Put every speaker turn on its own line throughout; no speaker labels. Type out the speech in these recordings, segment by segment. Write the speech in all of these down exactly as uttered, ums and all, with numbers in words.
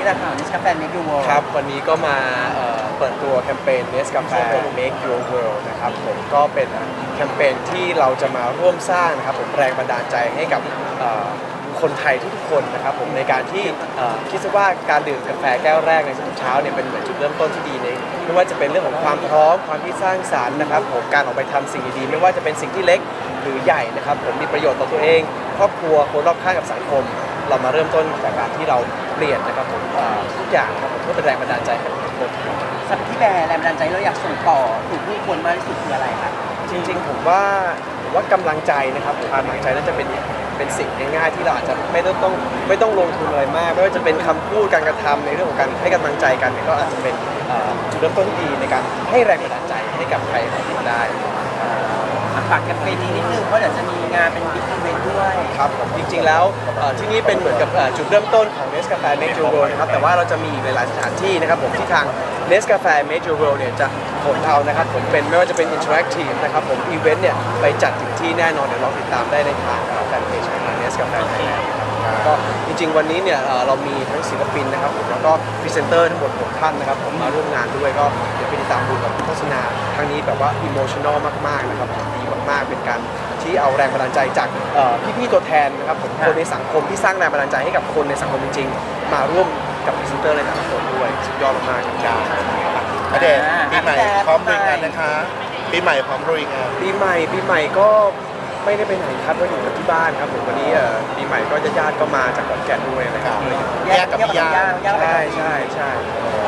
แหละค่ะ Nescafe Make Your World
ครับวันนี้ก็มาเอ่อเปิดตัวแคมเปญ Nescafe Make Your World นะครับผมก็เป็นแคมเปญที่เราจะมาร่วมสร้างนะครับผมแรงบันดาลใจให้กับเอ่อคนไทยทุกๆคนนะครับผมในการที่เอ่อคิดซะว่าการดื่มกาแฟแก้วแรกในทุกเช้าเนี่ยเป็นเหมือนจุดเริ่มต้นที่ดีในไม่ว่าจะเป็นเรื่องของความพร้อมความที่สร้างสรรค์นะครับผมการออกไปทำสิ่งดีๆไม่ว่าจะเป็นสิ่งที่เล็กหรือใหญ่นะครับผมมีประโยชน์ต่อตัวเองครอบครัวคนรอบข้างกับสังคมเรามาเริ่มต้นจากการที่เราเปลี่ยนนะครับผมเอ่อทุกอย่างครับผมเพื่อเป็นแรงบันดาลใจให้กับทุกคน
สำหรับที่แบรนด์แรงบันดาลใจเราอยากส่งต่อถึงผู้คนมากที่สุดคืออะไรคะ
จริงๆผมว่าผมว่ากำลังใจนะครับผมกำลังใจน่าจะเป็นเป็นสิ่งง่ายๆที่เราอาจจะไม่ต้องต้องไม่ต้องลงทุนอะไรมากไม่ว่าจะเป็นคำพูดการกระทำในเรื่องของการให้กำลังใจกันเนี่ยก็อาจจะเป็นเอ่อจุดเริ่มต้นที่ดีในการให้แรงบันดาลใจให้กับใครหลายคนได้
อ่ะฝากแคมเปญนี้นิดนึงเพราะเดี๋ยวจะมีงานเป็นบิ๊กอีเวนต์ด้วย
ครับผมจริงๆแล้วเอ่อที่นี่เป็นเหมือนกับเอ่อจุดเริ่มต้นของ Nescafe Make Your World นะครับแต่ว่าเราจะมีอีกหลายๆสถานที่นะครับผมที่ทาง Nescafe Make Your World เนี่ยจะขนเอานะครับผมเป็นไม่ว่าจะเป็น Interactive นะครับผมอีเวนต์เนี่ยไปจัดถึงที่แน่นอนเดี๋ยวลองติดตามได้ในทางแฟนเพจของ Nescafe Thailand ก็จริงๆวันนี้เนี่ยเอ่อเรามีทั้งศิลปินนะครับผมแล้วก็พรีเซนเตอร์ทั้งหมดหกท่านนะครับผมมาร่วมงานด้วยก็เดี๋ยวไปติดตามดูกับโฆษณาครั้งนี้แบบว่าอิโมชันอลมากๆนะครับผมดีมากๆเป็นการที่เอาแรงบันดาลใจจากเอ่อพี่ๆตัวแทนนะครับผมคนในสังคมที่สร้างแรงบันดาลใจให้กับคนในสังคมจริงๆมาร่วมกับพรีเซนเตอร์ในแต่ละคนด้วยสุดยอดมากๆครับ
ณเดชน์ปีใหม่พร้อมลุยงานนะคะปีใหม่พร้อมลุยงาน
ปีใหม่ปีใหม่ก็ไม่ได้ไปไหนครับก็อยู่กับที่บ้านครับผมวันนี้เอ่อปีใหม่ก็ญาติๆก็มาจากขอนแก่นด้วยนะครับ
แยกกับพี่ยา
ใช่ใช่ใช่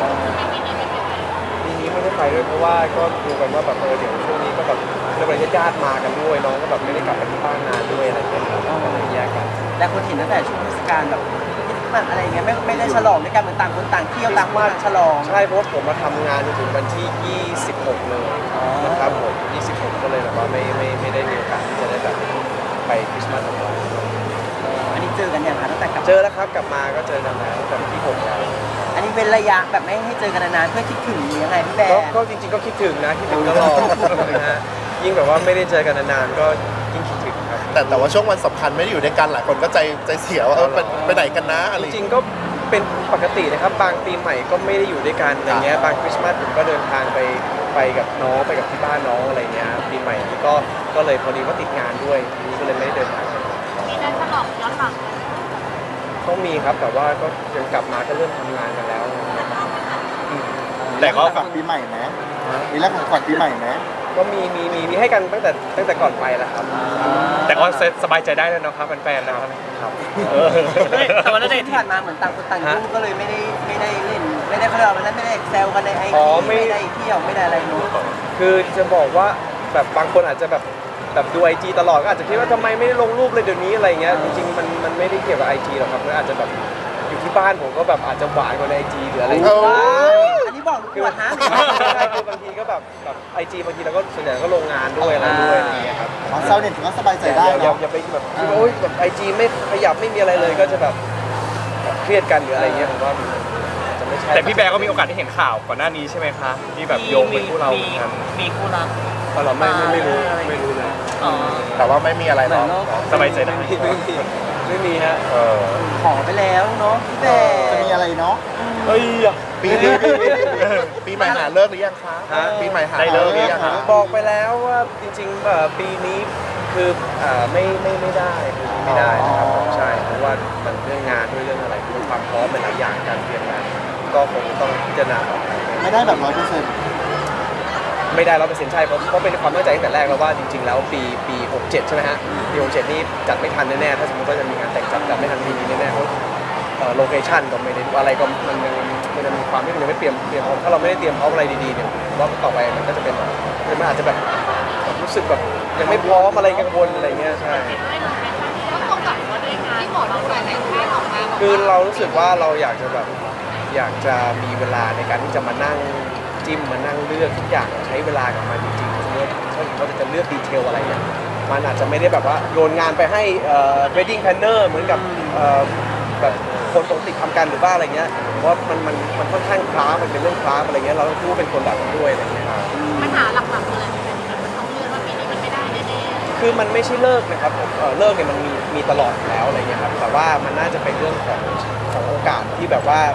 ปีนี้ไม่ได้ไปด้วยเพราะว่าก็ดูกันว่าแบบเออเดี๋ยวช่วงนี้ก็แบบเรื่องอะไรญาติๆมากันด้วยน้องก็แบบไม่ได้กลับไปที่บ้านนานด้วยอะไรอย่างเงี้ยครับก็เลยแยกกัน
และคนเห็นตั้งแต่ช่วงเทศกาลแบบคริสต์มาสอะไรอย่างเงี้ยไม่ไม่ได้ฉลองด้วยกันเหมือนต่างคนต่างเที่ยวต่างคนต่างฉลอง
ใช่เพราะว่าผมมาทำงานจนถึงวันที่ ยี่สิบหก เลย
อ๋อ
นะครับผมยี่สิบหกก็เลยแบบว่าไม่ไม่ไม่ได้มีโอกาสที่จะได้แบบไปคริสต์มาสของเรา
อันนี้เจอกันอย่างคะตั้งแต่กลับ
เจอแล้วครับกลับมาก็เจอกันแล้วแต่วันที่หกแล้ว
อันนี้เป็นระยะแบบไม่ให้เจอกันนานๆเพื่อคิดถึงหรือยังไงพี่แบ
ก็
ร์
ก็จริงๆก็คิดถึงนะคิดถึงตลอดนะฮะยิ่งแบบว่าไม่ได้เจอกันนานๆก็ยิ่งคิดถึงครับ
แต่แต่ว่าช่วงวันสำคัญไม่ได้อยู่ด้วยกันหลายคนก็ใจใจเสียว่าเออไปไปไหนกันนะอะไร
จริงๆก็เป็นปกตินะครับบางปีใหม่ก็ไม่ได้อยู่ด้วยกันอย่างเงี้ยบางคริสต์มาสผมก็เดินทางไปไปกับน้องไปกับที่บ้านน้องอะไรเงี้ยปีใหม่นี้ก็ก็เลยพอดีว่าติดงานด้วยทีนี้ก็เลยไม่ได้เดินทาง
มีการฉลองย้อนหลัง
ต้องมีครับแต่ว่าก็ยังกลับมาก็เริ่มทำงานกันแล้วอืม
แต่ก็
ฝันปีใหม่ไหมมีแรกของขวัญปีใหม่ไหม
ก็มีมีมีมีให้กันตั้งแต่ตั้งแต่ก่อนไปแล้วครับ
แต่ก็สบายใจได้แล้วนะครับแฟนๆนะครับ
ครับ
แต่ว่าณเดชน์
ที่ผ่านมาเหมือนต่างคนต่างยุ่งก็เลยไม่ได้ไม่ได้เล่นไม่ได้เขาเรียกว่าอะไรไม่ได้แซวกันในไอ
อ๋
จี
อไม่
ไม่ได้เที่ยวไม่ได้อะไรเนู้น
คือจะบอกว่าแบบบางคนอาจจะแบบแบบดูไอจีตลอดก็อาจจะคิดว่าทำไมไม่ได้ลงรูปเลยเดี๋ยวนี้อะไรเงี้ยจริงๆมันมันไม่ได้เกี่ยวกับไอจีหรอกครับมันอาจจะแบบอยู่ที่บ้านผมก็แบบอาจจะหวานกว่าในไอจีหรืออะไรอย่างเงี้ย
อันนี้บอกลูก
คือ
ปวดฮะ
ใช่คือบางทีก็แบบแบบไอจีบางทีเราก็ส่วนใหญ่ก็ลงงานด้วยอะไรด้วยอะไรเงี้ยครับ
อ๋อเศร้าเนี่ยถือว่าสบายใจได้
อย่าอย่า
เนาะ
อย่าไปแบบคิดว่าโอ๊ยแบบไอจีไม่ขยับไม่มีอะไรเลยก็จะแบบแบบเครียดกันหรืออะไรเงี้ยผมว่ามันจะไม่ใช่
แต่พี่แบร์ก็มีโอกาสได้เห็นข่าวก่อนหน้านี้ใช่ไหมคะที่แบบโยงเป็นคู่เราเหมือนกัน
มีคู่รัก
เราเราไม่ไม่ไม่รู้ไม่รู้เลย
อ๋อ
แต่ว่าไม่มีอะไร
เหมื
หร
อ
อน ก
โลก
สบายใจได้
ไม่มีไม่มีไม่มีฮะ
เออ
ขอไปแล้วเนาะพี่แบ
จะมีอะไรเนาะ
เฮ้ย
ปีนี้ปีใหม่หาเลิกหรือยังคะ
ฮะ
ปีใหม่หา
ได้เลิกหรือ
หรือ
ยั
ยัง ง
คะ
คะ
บอกไปแล้วว่าจริงๆเอ่อปีนี้คืออ่าไม่ไม่ไม่ได้ปีนี้ไม่ได้นะครับผมใช่เพราะว่ามันเรื่องงานด้วยเรื่องอะไรด้วยความพร้อมหลายๆอย่างการเตรียมงานก็คงต้องพิจารณาต่อไป
ไม่ได้แบบร้อยเปอร์เซ็นต์
ไม่ได้ร้อยเปอร์เซ็นต์ใช่เพราะเพราะเป็นความตั้งใจตั้งแต่แรกแล้วว่าจริงๆแล้วปีปีหกเจ็ดใช่ไหมฮะปีหกเจ็ดนี่จัดไม่ทันแน่ๆถ้าสมมติว่าจะมีงานแต่งจัดจัดไม่ทันปีนี้แน่ๆเพราะโลเคชั่นก็ไม่ได้อะไรก็มันยังมันยังมีความที่มันยังไม่เตรียมเตรียมพร้อมถ้าเราไม่ได้เตรียมพร้อมอะไรดีๆเนี่ยผมว่าต่อไปมันก็จะเป็นมันอาจจะแบบรู้สึกแบบยังไม่พร้อมอะไรกังวลอะไรเงี้ยใช่
ก็ตรงกับว่าด้วยงานที่หมอเราหลายๆท่านออกมาบอก
คือเรารู้สึกว่าเราอยากจะแบบอยากจะมีเวลาในการที่จะมานั่งจิ้มมานั่งเลือกทุกอย่างใช้เวลากับมันจริงๆสมมติถ้าเขาจะเลือกดีเทลอะไรเนี่ยมันอาจจะไม่ได้แบบว่าโยนงานไปให้เอ่อ wedding planner เหมือนกับเอ่อแบบคนปกติทำกันหรือว่าอะไรเงี้ยเพราะว่ามันมันมันค่อนข้างคล้ามันเป็นเรื่องคล้าอะไรเงี้ยเราต้องพูดเป็นคนแบบนั้นด้วยอะไรเงี้ย
ปัญหาหลักๆเลยมันต้องเลื่อนว่าปีนี้มันไม่ได้แน่
คือมันไม่ใช่เลิกนะครับผมเอ่อเลิกเนี่ยมันมีมีตลอดอยู่แล้วอะไรเงี้ยครับแต่ว่ามันน่าจะเป็นเรื่องของของโอกาสที่แบบว่า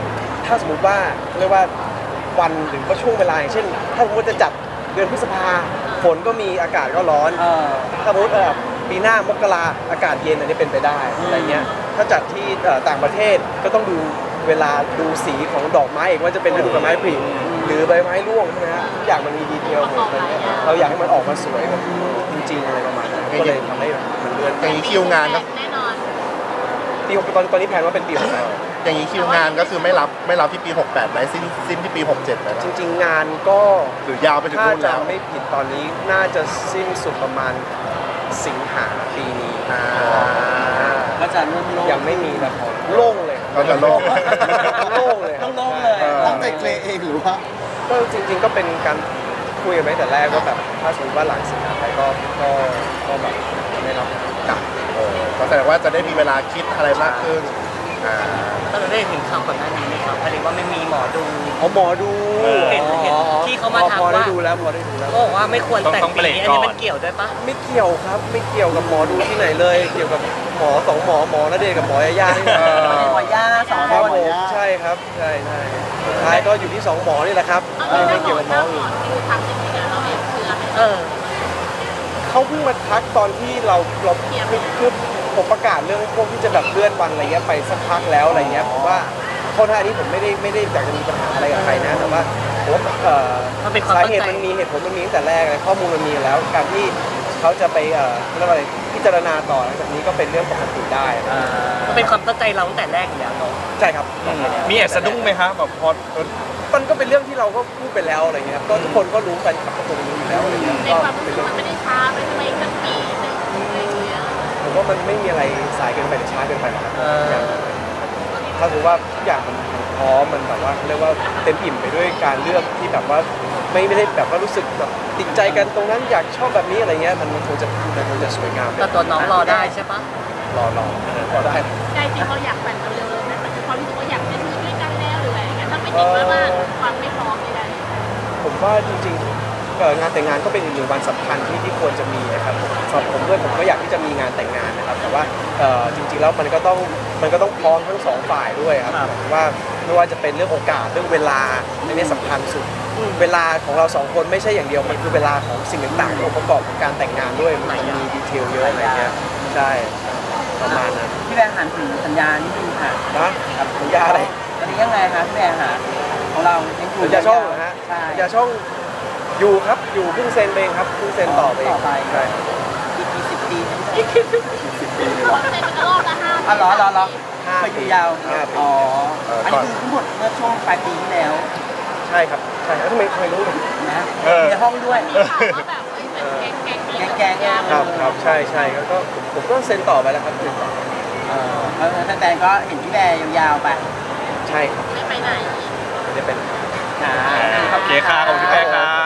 ถ้าสมมุติว่าเรียกว่าวันหรือว่าช่วงเวลาอย่างเช่น ถ้าสมมติจะจัดเดือนพฤษภาฝนก็มีอากาศก็ร้อน
เออ
ถ้าสมมติเอ่อปีหน้ามกราอากาศเย็นอันนี้เป็นไปได้อะไรเงี้ยถ้าจัดที่เอ่อต่างประเทศก็ต้องดูเวลาดูสีของดอกไม้อีกว่าจะเป็นฤดูใบไม้ผลิหรือใบไม้ร่วงใช่ไหมฮะทุกอย่างมันมีดีเทลหมดอะไรเงี้ยเราอยากให้มันออกมาสวยแบบจริงๆอะไรประมาณนั้นก็เลยทำให้มันเลื่อน
อย่างนี้คิวงานก็
แน่นอน
ปีหกตอนตอนนี้แผนว่าเป็นปีหกแปด
อย่างนี้คิวงานก็คือไม่รับไม่รับที่ปีหกแปดไหมสิ้นสิ้นที่ปีหกเจ็ดไหม
จริง ๆ งานก็
หรือยาวไปถึง
ถ้า
นู่น
จะ
แล้ว
ไม่ผิดตอนนี้น่าจะสิ้นสุดประมาณสิงหาปีนี้
อ่า
ก็จะร่วมโลก
ยังไม่มีละครโล่งเลย
ก็จะโล่ง
โล่งเลยครับ
โล่งๆเลย
ใช่
ตั้งใจเคลเองหรือว่า
ก็จริง ๆ ก็เป็นการคุยกันไว้แต่แรกว่าแบบถ้าสมมติว่าหลังสิงหาไปก็ก็ก็แบบไม่รับกลับ
เออก็แสดงว่าจะได้มีเวลาคิดอะไรมากขึ้นอ่า
ก็เราได้เห็นข่าวก่อนหน้านี้ไหมครับหมายถึงว่าไม่มีหมอดู
อ๋อหมอดู
เห็นเห็นที่เขามา
พอ
ทัก
พอได้
ว่า
ดูแล้วพอได้ดูแล้ว
ก็บอกว่าไม่ควรแต่ง
ต้อง
ปี
เบรก
นี้อันนี้
ก่อน
มันเกี่ยวด้วยปะ
ไม่เกี่ยวครับไม่เกี่ยวกับหมอดูที่ไหนเลย เกี่ยวกับหมอสองหมอหมอณเดชน์กับหมอยาย่านี่แหละ
หมอย่าสอง
ค
ครับ น
ผมใช่ครับใช่ใช่สุดท้ายก็อยู่ที่สองหมอนี่แหละครับ
เอา
ไม่
เป็น
เกี่ยวกับหม
ห
อ
น้าหม
อื่
อน ที่ทำจริงๆแล้วเราเองเชื่อไหม
เออ
เขาเพิ่งมาทักตอนที่เราเราคือคือผมประกาศเรื่องพวกที่จะแบบเลื่อนวันอะไรเงี้ยไปสักพักแล้วอะไรเงี้ยผมว่าข้อท่านี้ผมไม่ได้ไม่ได้อยากจะมีปัญหาอะไรกับใครนะแต่ว่าผมว่าเอ่อ
มันเป็นความ
สา
ตั้ง
เหตุ
ใจ
มันมีเหตุผลมันมีตั้งแต่แรกเลยข้อมูลมันมีอยู่แล้วการที่เขาจะไปเอ่อเรียกว่าอะไรพิจารณาต่อหลังจากนี้ก็เป็นเรื่องปกติได้นะ
มันเป็นความตั้งใจเราตั้งแต่แรกอยู่แล้วเนาะ
ใช่ครับ
มีแอบสะดุ้งไหมครับแบบพอเออ
มันก็เป็นเรื่องที่เราก็พูดไปแล้วอะไรเงี้ยครับก็ทุกคนก็รู้กันก็คงรู้อยู่แล้วอะไรเงี้ย
ใน
ก็
ความรู้
เป็น
สึก
เรื่อง
มันไม่ได้ช้าไปทำไมตั้งปีหนึงอะไรอย่างเงี้ย
ผมว่ามันไม่มีอะไรสายเกินไปหรือช้าเกินไปหรอกครับถ้าถือว่าทุกอย่างมันพร้อมมันแบบว่าเรียกว่าเต็มอิ่มไปด้วยการเลือกที่แบบว่าไม่ไม่ได้แบบว่ารู้สึกแบบติดใจกันตรงนั้นอยากชอบแบบนี้อะไรเงี้ยมันมันคงจะมันคงจะสวยงาม
แต่ตัวน้องรอได้ใช่ปะ
รอรอรอได้
ใจจริงเราอยากแต่งเร็วๆเลยไหมมันความรู้สึกว่าอยากจะมีด้วยกันแล้วหรืออะไรอย่างเงี้ยถ้าไม่ติดว่าว่าความไม่พร้อมใดๆ
ผมว่าจริงๆเอ่องานแต่งงานก็เป็นอีกหนึ่งวันสำคัญที่ที่ควรจะมีนะครับสำหรับผมด้วยผมก็อยากที่จะมีงานแต่งงานนะครับแต่ว่าเอ่อจริงๆแล้วมันก็ต้องมันก็ต้องพร้อมทั้งสองฝ่ายด้วยครับหมายถึงว่าไม่ว่าจะเป็นเรื่องโอกาสเรื่องเวลาอันนี้สำคัญสุดเวลาของเราสองคนไม่ใช่อย่างเดียวมันคือเวลาของสิ่งต่างๆที่องค์ประกอบของการแต่งงานด้วยมันมีดีเทลเยอะอะไรเงี้ยใช่ประมาณนั้น
พี่แบงค์หันถึงสัญญานิดนึงค่ะ
นะสัญญาอะไร
ตอนนี้ยังไงคะพี่แบงค์หาของเรายังอยู่
สัญญาช่องเหรอฮะ
ใช่
สัญญาช่องอยู่ครับอยู่เพิ่งเซ็นไปเองครับเพิ่งเซ็นต่อไปเอง
ต่อไป
ใช่
อีกกี่สิบปี
คนเซ็นเป็นรอบละห้า
อ๋อเหรอเหรอเหรอ
ห้า
เคย
ปี
อยู่ยาว
ห้าปี
อ๋ออันนี้คือทั้งหมดเมื่อช่วงปลายปีที่แล้ว
ใช่ครับใช่แล้วทำไมทำไมรู้เลย
นะ
เออ
ในห้องด้วย
มีข่าวว่าแบบเอ้ยเป็นแก๊งแก๊ง
แก๊งแก๊ง
ครับครับใช่ใช่แล้วก็ผมผมก็เซ็นต่อไปแล้วครับเซ็นต่อ
เออแล้วแฟนๆก็เห็นพี่แบร์ยาวๆไป
ใช่ครับ
ไม่ไปไหน
ไม่ได้เป็น
ค่ะ
โอเคค่ะขอบคุณพี่แป้งครับ